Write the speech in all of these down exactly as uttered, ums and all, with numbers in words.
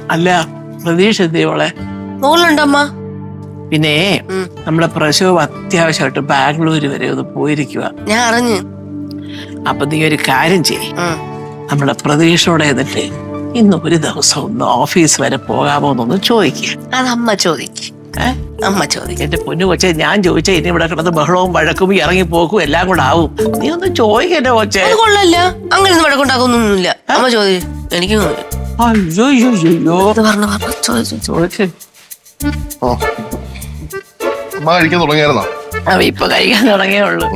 അല്ല പ്രതീക്ഷ എത്തിയോളെ മോളുണ്ടമ്മ. പിന്നെ നമ്മുടെ പ്രസവം അത്യാവശ്യമായിട്ട് ബാംഗ്ലൂര് വരെ ഒന്ന് പോയിരിക്കുക. ഞാൻ അറിഞ്ഞു. അപ്പൊ നീ ഒരു കാര്യം ചെയ്യ്, നമ്മുടെ പ്രതീക്ഷയോടെ എന്നിട്ട് ഇന്ന് ഒരു ദിവസം ഒന്ന് ഓഫീസ് വരെ പോകാമോ എന്നൊന്ന് ചോദിക്കുക. അത് അമ്മ ചോദിക്കും. അമ്മ ചോദിക്കും. എന്റെ പൊന്നു കൊച്ചെ, ഞാൻ ചോദിച്ചാ ഇനി ഇവിടെ കിടന്ന് ബഹളവും വഴക്കും ഇറങ്ങി പോക്കും എല്ലാം കൂടെ ആവും. നീ ഒന്ന് ചോദിക്കട്ടെ കൊച്ചെ. അത് കൊള്ളല്ല, അങ്ങനെ ഒന്നും വഴക്കുണ്ടാക്കുന്നൊന്നുമില്ല. അമ്മ ചോദിക്കും. എനിക്ക് അയ്യോ അയ്യോ പറഞ്ഞു പറഞ്ഞു ചോദിച്ചു ചോദിച്ചു. അമ്മ കഴിക്കാൻ തുടങ്ങിയായിരുന്നോ? അവ ഇപ്പൊ കഴിക്കാൻ തുടങ്ങിയേ ഉള്ളൂ.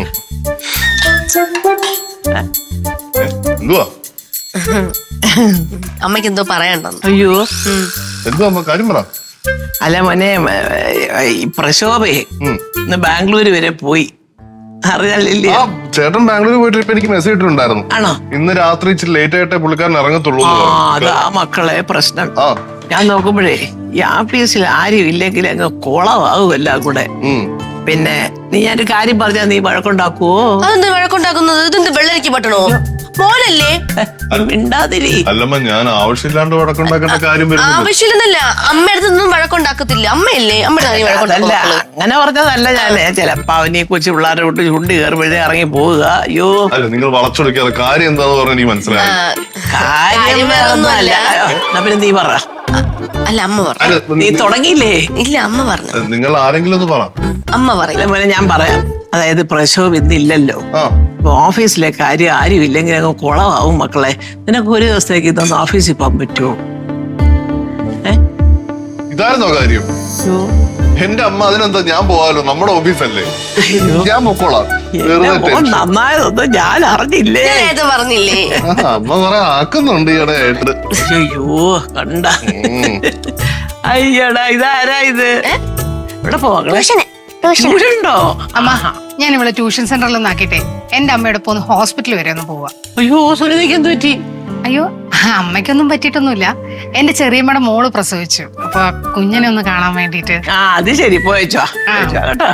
എന്തുവാ അമ്മയ്ക്ക് എന്തോ പറയണ്ടെന്ന്. അയ്യോ എന്തുവാ അമ്മ കാര്യം പറ. അല്ല മോനെ, ഈ പ്രശോഭയെ ഇന്ന് ബാംഗ്ലൂര് വരെ പോയി, അറിയാനില്ലേ? ആ ചേട്ടൻ ബാംഗ്ലൂർ പോയിട്ട് ഇപ്പൊ എനിക്ക് മെസ്സേജ് ഇട്ടിട്ടുണ്ടായിരുന്നു. ആണോ? ഇന്ന് രാത്രി ഇച്ചിരി ലേറ്റ് ആയിട്ടേ പുള്ളിക്കാരൻ ഇറങ്ങത്തുള്ളൂ. അതാ മക്കളെ പ്രശ്നം. ആ ഞാൻ നോക്കുമ്പോഴേ ഈ ആഫീസിൽ ആരും ഇല്ലെങ്കിൽ അങ്ങ് കുളമാകും എല്ലാം കൂടെ. പിന്നെ നീ ഞാനൊരു കാര്യം പറഞ്ഞാ നീ വഴക്കുണ്ടാക്കുവോ? അതെന്ത് വഴക്കുണ്ടാക്കുന്നത്? ഇതെന്ത് വെള്ളരിക്ക് പറ്റണോ? മോനല്ലേ? മിണ്ടാതിരി. അല്ലമ്മ, ഞാൻ ആവശ്യമില്ലാണ്ട് വഴക്കുണ്ടാക്കേണ്ട കാര്യം വരുന്നത്. ആവശ്യമില്ലെന്നല്ല, അമ്മയടുത്തൊന്നും വഴക്കുണ്ടാക്കത്തില്ല. അമ്മയല്ലേ? അമ്മയുടെ അല്ല, അങ്ങനെ പറഞ്ഞതല്ല. ഞാന് ചിലപ്പോ അവനീ കൊച്ചു പിള്ളേരെ വിട്ട് ചുണ്ടി കയറുമ്പോഴേ ഇറങ്ങി പോവുക. അയ്യോ അല്ല, നിങ്ങൾ വളച്ചൊടുക്കാതെ കാര്യം എന്താന്ന് പറഞ്ഞ എനിക്ക് മനസ്സിലായി. കാര്യം വേറൊന്നുമല്ല. എന്നാ പിന്നെ നീ പറ. അല്ല, അമ്മ പറഞ്ഞു. നീ തുടങ്ങിയില്ലേ? ഇല്ല, അമ്മ പറഞ്ഞു. നിങ്ങൾ ആരെങ്കിലും ഒന്ന് പറ. അമ്മ പറയില്ല. മോനെ ഞാൻ പറയാം. അതായത് പ്രസവം ഇന്നില്ലല്ലോ, അപ്പൊ ഓഫീസിലെ കാര്യം ആരും ഇല്ലെങ്കിൽ അങ്ങ് കുളമാവും മക്കളെ. നിനക്ക് ഒരു ദിവസത്തേക്ക് ഇതൊന്ന് ഓഫീസിൽ പോകാൻ പറ്റുമോ? ഇതായിരുന്നോ കാര്യം? എന്റെ അമ്മ, അതിനെന്താ, ഞാൻ പോവാലോ, നമ്മുടെ ഓഫീസല്ലേ, ഞാൻ പൊക്കോളാം. നന്നായതൊന്നും ഞാൻ അറിഞ്ഞില്ലേ. പറഞ്ഞില്ലേ? അമ്മ കുറെ ആക്കുന്നുണ്ട് ഈയിടെ ആയിട്ട്. അയ്യോ കണ്ട. അയ്യടാ, ഇതാരാ ഇത്? ഇവിടെ പോകണേ? ട്യൂഷനുണ്ടോ? അമ്മ, ഞാൻ ഇവിടെ ട്യൂഷൻ സെന്ററിൽ ഒന്ന് ആക്കിട്ടെ എന്റെ അമ്മയുടെ ഒപ്പം ഒന്ന് ഹോസ്പിറ്റൽ വരെ ഒന്ന് പോവാ. അയ്യോ സുനിതയ്ക്ക് എന്ത് പറ്റി? അയ്യോ അമ്മയ്ക്കൊന്നും പറ്റിയിട്ടൊന്നുമില്ല. എന്റെ ചെറിയമ്മയുടെ മോള് പ്രസവിച്ചു, അപ്പൊ കുഞ്ഞിനെ ഒന്ന് കാണാൻ വേണ്ടിട്ട്. ആ അത് ശരി, പോയച്ചോ കേട്ടോ.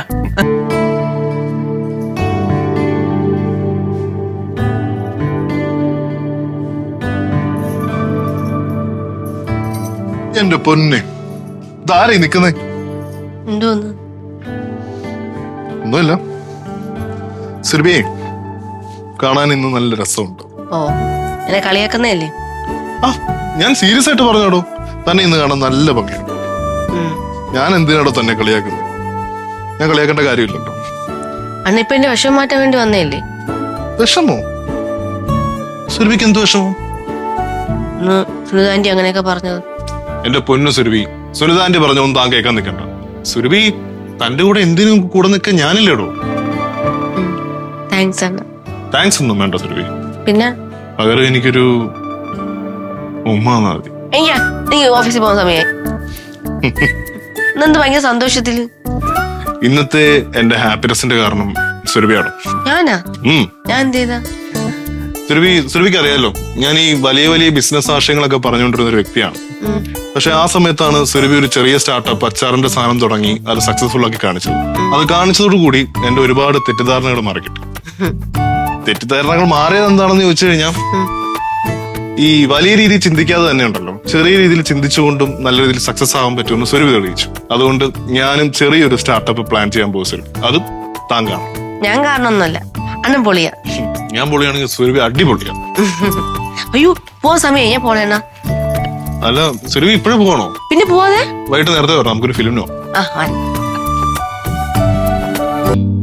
എന്റെ പൊന്നെ, ഇതാരായി നിക്കുന്നേ? എന്തോന്ന്? ഒന്നുമില്ല. സുരഭിയെ കാണാൻ ഇന്ന് നല്ല രസമുണ്ട്. ഓ, എന്നെ കളിയാക്കുന്നല്ലേ? ആ ഞാൻ സീരിയസ് ആയിട്ട് പറഞ്ഞോടോ, തന്നെ ഇന്ന് കാണാൻ നല്ല ഭംഗിയുണ്ട്. ഞാൻ എന്തിനാടോ തന്നെ കളിയാക്കുന്നത്? ഞാൻ കളിയാക്കേണ്ട കാര്യമില്ലല്ലോ. അന്നിപ്പ എന്റെ വിഷം മാറ്റാൻ വേണ്ടി വന്നേല്ലേ? വിഷമോ? സുരഭിക്ക് എന്ത് വിഷമോ? സുനിതാന്റി അങ്ങനെയൊക്കെ പറഞ്ഞത്. എന്റെ പൊന്നു സുരഭി, സുനിതാന്റി പറഞ്ഞൊന്നും താൻ കേൾക്കാൻ നിൽക്കണ്ട. സുരഭി, തന്റെ കൂടെ എന്തിനും കൂടെ നിൽക്കാൻ ഞാനില്ലേടോ. താങ്ക്സ് അണ്ണ. താങ്ക്സ് ഒന്നും വേണ്ട സുരഭി. പിന്നെ പകരം എനിക്കൊരു ഉമ്മ മതി. നീ ഓഫീസിൽ പോകുന്ന സമയായി എന്ത് ഭയങ്കര സന്തോഷത്തില്. ഇന്നത്തെ എന്റെ ഹാപ്പിനെസിന്റെ കാരണം സുരഭിയാണ്. ഞാനാ? ഞാൻ എന്ത് ചെയ്താ? സുരഭി, സുരഭിക്ക് അറിയാലോ, ഞാൻ ഈ വലിയ വലിയ ബിസിനസ് ആശയങ്ങളൊക്കെ പറഞ്ഞുകൊണ്ടിരുന്ന ഒരു വ്യക്തിയാണ്. പക്ഷെ ആ സമയത്താണ് സുരഭി ഒരു ചെറിയ സ്റ്റാർട്ടപ്പ് അച്ചാറിന്റെ സാധനം തുടങ്ങി അത് സക്സസ്ഫുൾ ആക്കി കാണിച്ചത്. അത് കാണിച്ചതോടുകൂടി എന്റെ ഒരുപാട് തെറ്റിദ്ധാരണകൾ മാറിക്കിട്ടി. തെറ്റിദ്ധാരണകൾ മാറിയത് എന്താണെന്ന് ചോദിച്ചു കഴിഞ്ഞാൽ, ഈ വലിയ രീതിയിൽ ചിന്തിക്കാതെ തന്നെ ഉണ്ടല്ലോ, ചെറിയ രീതിയിൽ ചിന്തിച്ചുകൊണ്ടും നല്ല രീതിയിൽ സക്സസ് ആവാൻ പറ്റുമെന്ന് സുരഭി തെളിയിച്ചു. അതുകൊണ്ട് ഞാനും ചെറിയൊരു സ്റ്റാർട്ടപ്പ് പ്ലാൻ ചെയ്യാൻ പോകും സുരഭി. അത് താൻ കാണും. ഞാൻ കാരണമൊന്നുമല്ല, അണ്ണൻ പൊളിയാ. ഞാൻ പൊളിയാണെങ്കിൽ സുരഭി അടിപൊളിയാ. അയ്യോ പോവാൻ സമയം, ഞാൻ പോണേണ്ണ. അല്ല സുരഭി, ഇപ്പോഴും പോകണോ? പിന്നെ പോവാതെ വൈകിട്ട് നേരത്തെ വരണം, നമുക്കൊരു ഫിലിമിനോ. ആ